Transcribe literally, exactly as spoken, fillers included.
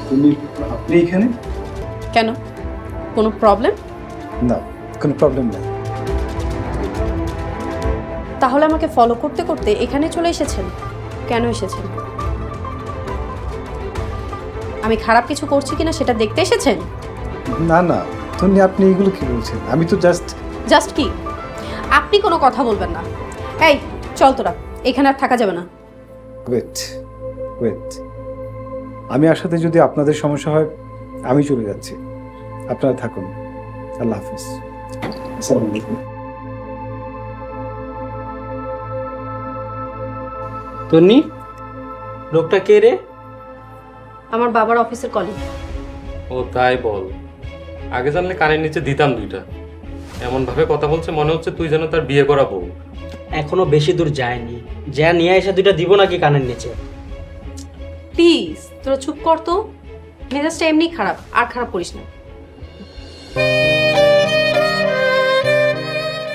তুমি আপনি এখানে? কেন, কোনো প্রবলেম? না, কোনো প্রবলেম নেই। তাহলে আমাকে ফলো করতে করতে এখানে চলে এসেছেন? কেন এসেছেন? আমি খারাপ কিছু করছি কিনা সেটা দেখতে এসেছেন? না না তন্নি, আপনি এগুলো কি বলছেন? আমি তো জাস্ট জাস্ট কি? আপনি কোনো কথা বলবেন না। এই চল তোরা, এখানে আর থাকা যাবে না। ওয়েট ওয়েট আমি আসাতে যদি আপনাদের সমস্যা হয় আমি চলে যাচ্ছি, আপনারা থাকুন। আল্লাহ হাফিজ। আসসালামু আলাইকুম। তন্নি, লোকটা কে রে? আমার বাবার অফিসের কলিগ। ও তাই বল, আগে জানলে কানের নিচে দিতাম দুইটা। এমন ভাবে কথা বলছে মনে হচ্ছে তুই যেন তার বিয়ে করা বউ। এখনো বেশি দূর যায়নি, যা নিয়ে এসে দুইটা দিব নাকি কানের নিচে? প্লিজ তোরা চুপ কর তো, মেজাজটা এমনি খারাপ, আর খারাপ করিস না।